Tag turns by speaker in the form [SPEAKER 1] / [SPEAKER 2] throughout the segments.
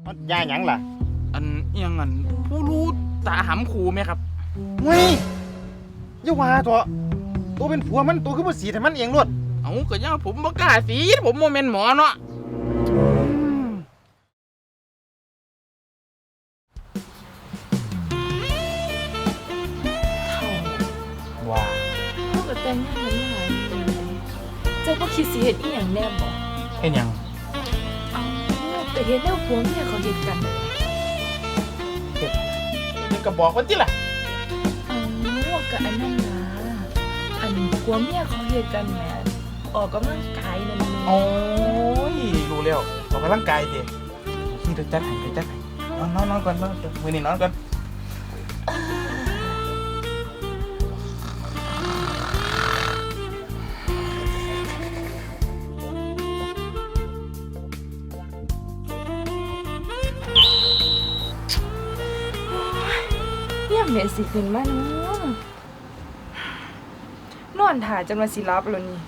[SPEAKER 1] ยาหยังล่ะ
[SPEAKER 2] อันยังอันผู้รู้ตาหำขู่ไหมครับ
[SPEAKER 1] เฮ้ยอย่าว่าตัวเป็นผัวมันตัวคือบ่สีให้มันเองรวด
[SPEAKER 2] เอาก็ยังผมบ่กล้าสีผมโมเมนต์หมอเนาะ
[SPEAKER 1] ว้า
[SPEAKER 3] เขาก็แต่งงานกันมาหลายปีเจ้าก็คิดสิเฮ็ดอีหยังแน่บ่
[SPEAKER 1] เฮ็ดหยัง
[SPEAKER 3] เอาไปเฮ็ดแนวผัวเมียเขาเฮ็ดกัน
[SPEAKER 2] นี่ก็บอกว่าที่ล่ะ
[SPEAKER 3] เอาก็อันนั้นล่ะอันผัวเมียเขาเฮ็ดกันแหมออกกำลังกายนั่น
[SPEAKER 2] โอ้ยรู้แล้วออกกำลังกายดินี่เดี๋ยวจัดให้นอนก่อนมื้อนี้นอนก่อน
[SPEAKER 3] เนี่ยแม่สิขึ้นมาเนาะนอนท่าจนว่าสิหลับแล้วนี่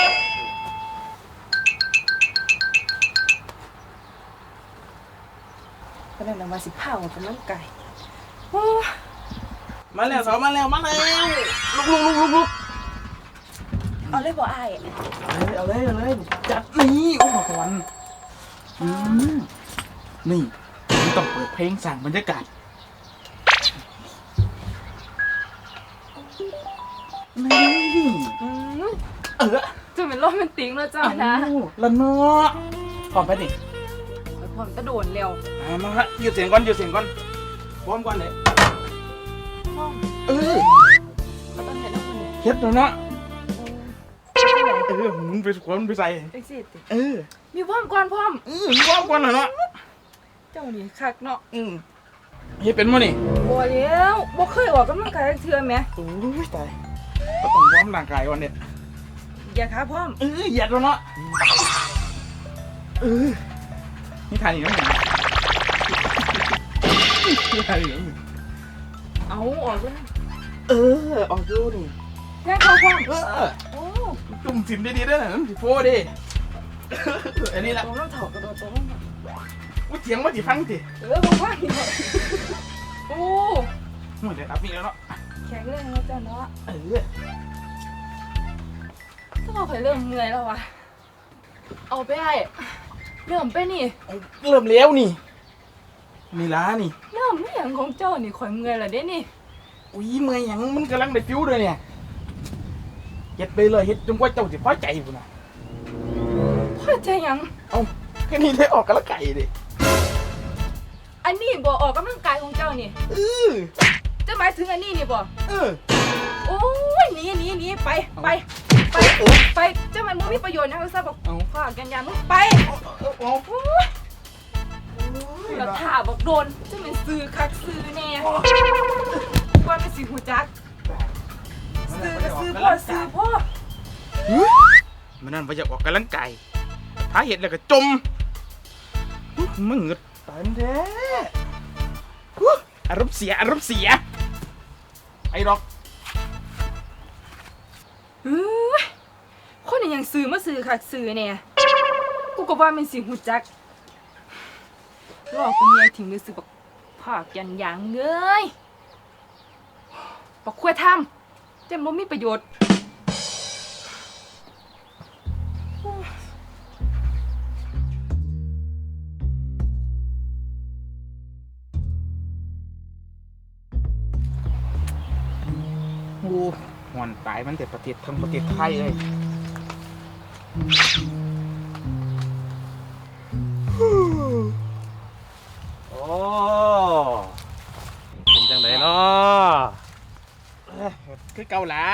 [SPEAKER 3] ก็นั่นน่ะว่าสิพาออกกำลังกายโอ้
[SPEAKER 2] มาแล้วมาแล้วลุก
[SPEAKER 3] เอาเลยบ่อ้าย
[SPEAKER 2] เอาเลยจัดนี่อุปกรณ์นี่ต้องเปิดเพลงสั่งบรรยากาศนี่
[SPEAKER 3] จะเป็นโรแมนติกแล้วจ้านะ
[SPEAKER 2] ละเนาะพร้อมไปดิ
[SPEAKER 3] พร้อมตะโดนเร็ว
[SPEAKER 2] มาฮะหยุดเสียงก่อนพร้อมก่อนเลย
[SPEAKER 3] พร้อม ก็ต้องเห็นแล้วคนนี้
[SPEAKER 2] เฮ็ดแล้วเนาะหมุนไปขวนไปใส่
[SPEAKER 3] เอ็กซิส มีพร้อมก่อนพร้อม
[SPEAKER 2] พร้อมก่อนเนาะ
[SPEAKER 3] เจ้านี่คักเนาะ
[SPEAKER 2] เฮ็ดเป็นมั้ยนี่
[SPEAKER 3] บ่แล้วบ่เคยออกกำลังกายเทื่อแม่
[SPEAKER 2] โอ้ยตายก็ต้องวอร์มร่างกายก่อนเนี่ย
[SPEAKER 3] อย่าขาพร้อม
[SPEAKER 2] เหยียดแล้วเนาะนี่ทานอีกแล้วนี่ทานอีกแล้วนี่
[SPEAKER 3] เอาออกเลย
[SPEAKER 2] ออกดูนี่
[SPEAKER 3] แค่เขาพร้อมโอ้
[SPEAKER 2] จุ่มสิมดีๆด้วยนะสิโฟดิอันนี้แหละ
[SPEAKER 3] ตรงน้ำเถากระโดดตรง
[SPEAKER 2] ว่าเถียงว่าสิฟังสิ
[SPEAKER 3] บ่ว่านี่โอ้
[SPEAKER 2] เดี๋ยวอัพอีกแล้วเนาะ
[SPEAKER 3] แข็งแรงแล้วจ้าเนาะ ถ้าเราเคยเริ่มเมื่อยแล้ววะเอาไปให้เริ่มไปนี่
[SPEAKER 2] เริ่มแล้วนี่นี่ล้านี่
[SPEAKER 3] เริ่มไม่อย่างของเจ้านี่ข่อยเมื่อยแล้วเด้นี่
[SPEAKER 2] อุ้ยเมื่อยหยังมันกำลังได้ฟิวเลยเนี่ยเฮ็ดไปเลยเฮ็ดจนกว่าเจ้าสิพอใจพุ่นน่ะ
[SPEAKER 3] พ่อใจยัง
[SPEAKER 2] เอ้าแค่นี้ได้ออกกันละไก่ดิ
[SPEAKER 3] อันนี้บ่ออกกำลังกายของเจ้านี่จะหมายถึงอันนี้นี่บ่โอ้ยหนีไปเจ้ามันบ่มีประโยชน์นะเขาซะบอกฝากกันยามึงไปแล้วถ้าบอกโดนเจ้ามันซื้อคักซื้อแน่ว่ามันสิหูจักซื้อก็ซื้อพ่อ
[SPEAKER 2] มันนั่นว่าจะออกกำลังกายถ้าเห็ดแล้วก็จมมึงเงือตายมันแท้อารมณ์เสียไอ้ดอก
[SPEAKER 3] คนนี้ยังซื้อมาซื้อคักซื้อเนี่ยกูก็ว่ามันสิหูจักรอกูเมียทิ้งเลยซื้อบักผากยันยางเงยบักควายทำแต่บ่มีประโยชน์
[SPEAKER 2] โอ้หอนตายมันแต่ประเทศทั้งประเทศไทยเลย
[SPEAKER 1] โอ้เป็นจังไดเนาะ
[SPEAKER 2] คือเกาหลา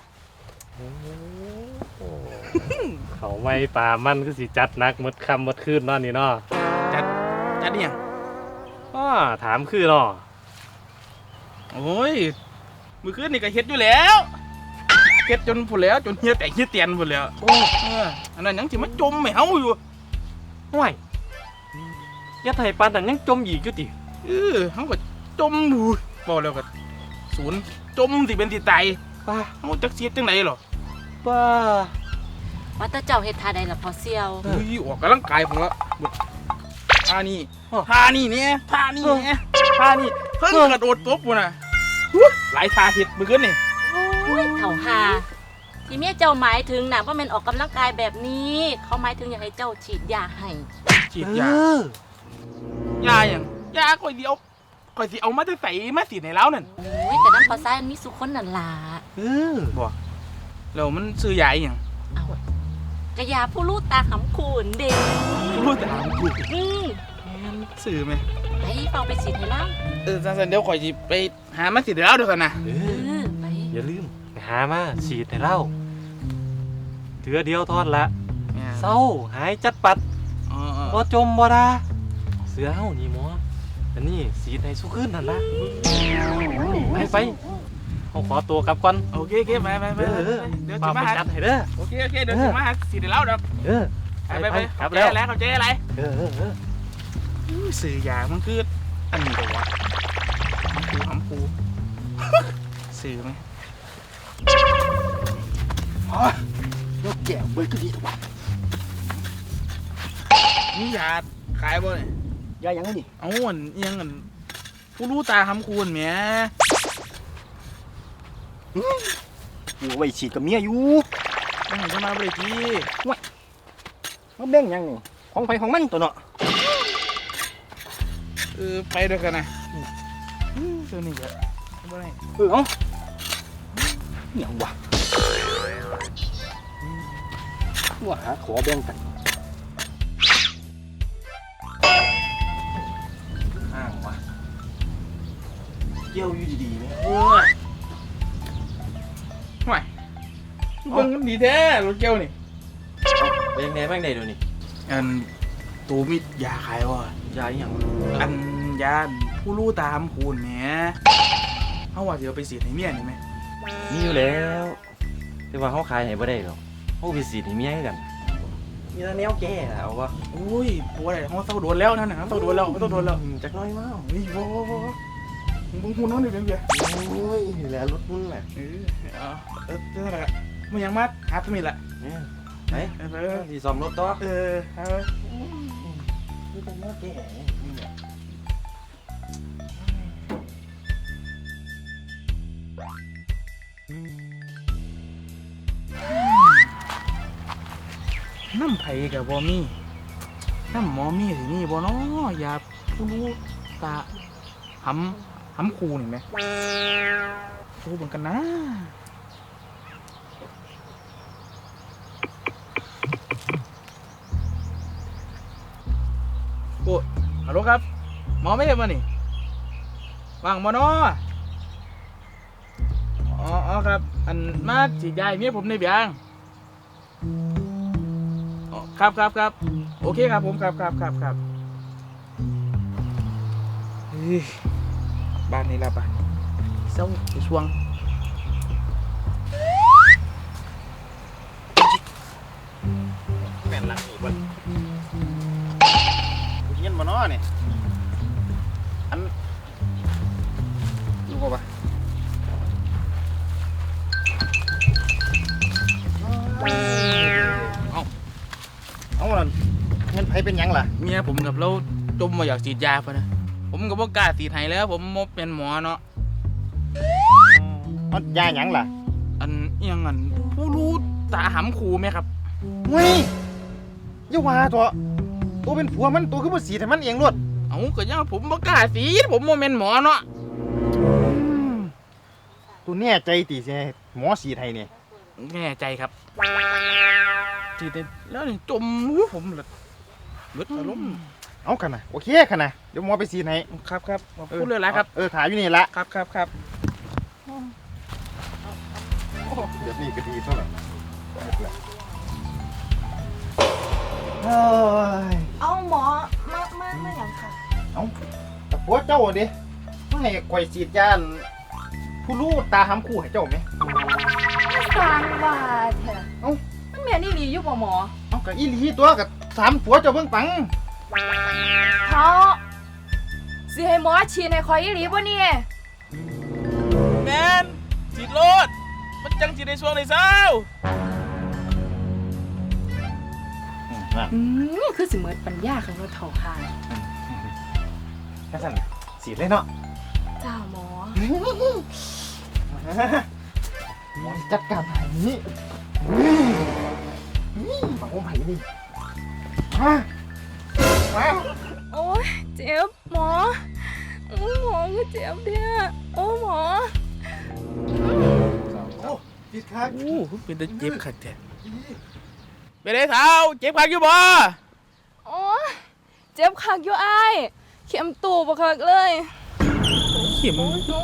[SPEAKER 1] เขาไม่ป่ามันคือสิจัดนักมดคำมดคืนนอนนี่เนาะ
[SPEAKER 2] จัดเนี่ย
[SPEAKER 1] ถามคือเนาะ
[SPEAKER 2] โอ้ยมือคืนนี่ก็เฮ็ดอยู่แล้วเฮ็ดจนผุแล้วจนเฮียแตกเฮียเตียนผุแล้วอันนั้นยังสิมาจมไม่เฮาอยู่
[SPEAKER 1] ห่วยยาไทยปานแต่ยังจมอีกอยู่ติ
[SPEAKER 2] เฮาก็จมบูบอกแล้วก็ศูนย์จมสิเป็นสิตายป้าเฮาจักเสียจังไหนหรอ
[SPEAKER 1] ป้า
[SPEAKER 4] ว่าแต่เจ้าเฮ็ดท่าใดล่ะพอเสี่ยว
[SPEAKER 2] ออกกำลังกายผมละท่านี่เนี่ยท่านี่เพิ่งกระโดดตบกูน่ะหลายท่าเห็ดมือขึ้นนี่
[SPEAKER 4] โอ้ยเถ่าหาที่เมียเจ้าหมายถึงน่ะว่ามันออกกำลังกายแบบนี้ เขาหมายถึงอยากให้เจ้าฉีดยาให้
[SPEAKER 2] ฉีดยาอย่างยาข่อยสิเอามาจะใส่มาสีในแล้วนั่น
[SPEAKER 4] โอ้ยแต่น้ำพอซ้ายมันมีสุคนนั่นล่ะ
[SPEAKER 2] บ่แล้วมันซื้อยาอหย่าง
[SPEAKER 4] เอากระยาผู้ลูกตาขำคูนเด็ก
[SPEAKER 2] รู้แต่หางกู ซื้อไหม
[SPEAKER 4] ไปเฝ้าไปฉีดให้แล้ว
[SPEAKER 2] สันเดี๋ยวข่อยสิไปหามาสีในแล้วเดี๋ยวกันนะ
[SPEAKER 4] ไป
[SPEAKER 5] อย่าลืมไปหามาฉีดให้เราเถือเดียวทอดละเศร้าหายจัดปัดบ่จมบ่ดาเสือเฮานี่หมออันนี้ฉีดให้สุขึ้นนั่นละไปเขาขอตัวกลับก่อน
[SPEAKER 2] โอเคไปเดี๋ยว
[SPEAKER 5] มา
[SPEAKER 2] จะ
[SPEAKER 5] ไป
[SPEAKER 2] มาหา
[SPEAKER 5] จัดให้เด้อ
[SPEAKER 2] โอเคเดี๋ยวจะมาหาสีในแล้วเดี๋ยว ไป
[SPEAKER 5] กลับ
[SPEAKER 2] เจ๊
[SPEAKER 5] แล้ว
[SPEAKER 2] อะไรเขาเจ๊อะไร
[SPEAKER 5] เออ
[SPEAKER 2] สื่อยามันคืออันนี้เหรอวะหำปูสื่อไหม
[SPEAKER 1] ยกแก้วเบิดก็ดีถูกป่ะ
[SPEAKER 2] นี่ยาขายบ่เนี่ย
[SPEAKER 1] ยายังไงนี่
[SPEAKER 2] เอาอันยังอันผู้รู้ตาหำคูนแหม
[SPEAKER 1] กูไว้ฉีดกับเมียอยู่
[SPEAKER 2] ต้องให้จะมาบริจี
[SPEAKER 1] มันแบ่งยังนี่ของไผของมันตัวเนาะ
[SPEAKER 2] ไปด้วยกันนะตัวนี้ก็บ่ได้
[SPEAKER 1] เอาเนี่ยว่ะว่าหาขอแบ่งกันอ้างว่ะเกี่ยวอยู่ดีๆเนี่ย
[SPEAKER 2] ไม่เบิ่งมันดีแท้รถเกียวนี่
[SPEAKER 5] เลี้ยงแหน่แม่งได้ดูนี่
[SPEAKER 2] อันตูมิยาขายวะ
[SPEAKER 5] ยาอีหยัง
[SPEAKER 2] อันยาผู้รู้ตาหำคูนแหมเขาว่าจะเอาไปสีดให้เมียนี่ไหม
[SPEAKER 5] มีอยู่แล้วแต่ว่าเขาขายให้บ่ได้หรอกเขาไปฉีดให้เมียคือกันมีแต่แนวแก่เอาวะ
[SPEAKER 2] โอ้ยปวดอะไรเขาเศร้าโดนแล้วนั่นน่ะเขาเศร้าโดนแล้วเขาเศร้าโดนแล้ว
[SPEAKER 5] จักหน้อยมาก
[SPEAKER 2] เฮ้ยโว้มึงหูน้องนี่เป็นไง
[SPEAKER 5] โอ้ยนี่แหละรถมึงแหละ
[SPEAKER 2] เจ้าละมึงยังมัดหาตัวมีละ
[SPEAKER 5] เนี่ยไปที่ซ่อมรถต่อ
[SPEAKER 2] เอา
[SPEAKER 5] นี่เป็นแนวแก่นี่แหละ
[SPEAKER 2] น้ำไผ่กับบอมี่น้ำหมอมี่สินี่บอน้อยาผู้รู้ตาหำคูนี่ไหมรู้เหมือนกันนะโอ้ฮัลโหลครับหมอไม่ได้มานี่ว่างมอนออ๋อครับอันมาฉีดยาให้เมียผมในเบียงอ๋อครับโอเคครับผมครับเฮ้ยบ้านนี้ละบ้านเศร้าไปช่วงแม่นหลังอีกวัน
[SPEAKER 1] กูเย็นบ่เนาะนี่
[SPEAKER 2] รู้ป่ะ
[SPEAKER 1] เอาล่ะเงินไผเป็นหยังล่ะ
[SPEAKER 2] เมียผมกับเราจมมาอยากฉีดยาพะนะผมก็บ่กล้าฉีดให้แล้วผมมเป็นหมอเนาะ
[SPEAKER 1] เอายาหยังล่ะ
[SPEAKER 2] อันเอียงอันผู้รู้ตาหำคูไหมครับ
[SPEAKER 1] เฮ้ยอย่าว่าตัวเป็นผัวมันตัวคือบ่สีดให้มันเองโลด
[SPEAKER 2] เอาก็ยังผมบ่กล้าฉีดผมเป็นหมอเนาะ
[SPEAKER 1] ตัวแน่ใจติสิให้หมอสีดให้นี่
[SPEAKER 2] แน่ใจครับฉีดได้แล้วนี่จมผมเลยเบิดอารมณ์
[SPEAKER 1] เอากันนะโอเคกันนะเดี๋ยวหมอไปสีดให้
[SPEAKER 2] ครับพูดเลยละครับ
[SPEAKER 1] ถ่ายอยู่นี่ละ
[SPEAKER 2] ครับ
[SPEAKER 1] เดี๋ยวนี้ก็ดีเท่าไหร่เฮ้ย
[SPEAKER 3] เอาหมอมาอย่างค่ะ
[SPEAKER 1] เอาแต่ผัวเจ้าดิไม่ให้ข่อยสีดยาผู้รู้ตาหำคู่ให้เจ้าไหม
[SPEAKER 3] สร้างว่าแท้
[SPEAKER 1] เอ้า
[SPEAKER 3] มันแม่นอี่หลีอยู่บ่หมอ
[SPEAKER 1] เอากับอีหลีตัวกับถามผัวเจ้าเบิ่งปัง
[SPEAKER 3] เขาสิให้หมอฉีดให้ข่อยอีหลีบ่เนี่ย
[SPEAKER 2] แมนฉีดโลดมันจังฉีดในช่วงในเช้า
[SPEAKER 3] คือสิเหมือนปัญญาของเราเฒ่าหา
[SPEAKER 1] กระสันสีดเลยเนาะ
[SPEAKER 3] จ้าหมอ
[SPEAKER 1] หมอจัดการไห้นี่มาอุ้มไห้นี่มา
[SPEAKER 3] โอ้ยเจ็บหมอโอ้หมอก็เจ็บเนี่ยโอ้หมอ
[SPEAKER 1] โอ้ติดคัก
[SPEAKER 2] โอ้เป็นแต่เจ็บขัดแท้ไปเลยเท้าเจ็บขัดอยู่บ่
[SPEAKER 3] โอ้ยเจ็บคักอยู่อ้ายเข็มตูบคักเลย
[SPEAKER 2] เข็มตู้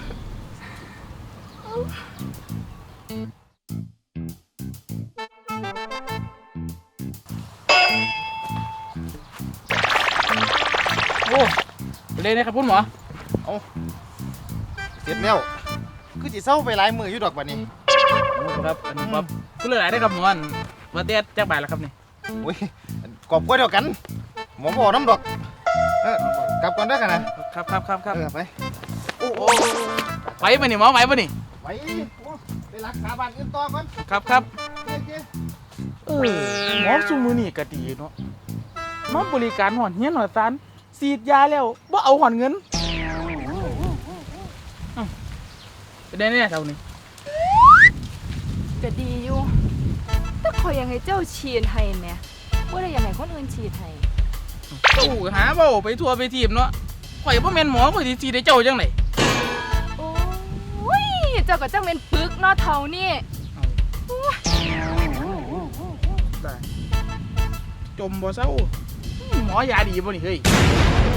[SPEAKER 2] โอ้ไปเลยนะครับคุณหมอ
[SPEAKER 1] เสร็จแล้วคือสิเศร้าไปหลายมืออยู่ดอกบัดนี้
[SPEAKER 2] ครับอันนี้ครับคุณหลายๆได้ครับหมออันว่าเตี้ยจักบาทแล้วครับนี่
[SPEAKER 1] โอ้ยกอบกล้วยเดียวกันหมอบอกน้ำดอกกลับก่อนได้อกันนะครับ ไปโอ้โห
[SPEAKER 2] ไหวป่ะนี่หมอไหวป่ะนี่
[SPEAKER 1] ไปไปรักษาบ้านอื่นต่อก่อน
[SPEAKER 2] ครับ
[SPEAKER 1] เจ๊
[SPEAKER 2] หมอซูมือนี่ก็ดีเนาะมาบริการหอนเฮียนหอนซานฉีดยาแล้วบ่เอาหอนเงินเป็นได้เนี่ยเท่านี้
[SPEAKER 3] ก็ดีอยู่แต่ขอยยังให้เจ้าฉีดให้แหม่บ่ได้อยังให้คนอื่นฉีดให้
[SPEAKER 2] ตู้หาเบ้าไปทัวร์ไปทีมเนาะข่อยบ่แม่นหมอข่อยสิฉีดให้เจ้าจังได๋
[SPEAKER 3] โอ้ยเจ้าก็จังเป็นปึกเนาะเท่านี่
[SPEAKER 2] ได้จมบ่เศร้าหมอยาดีบ่นี่เฮ้ย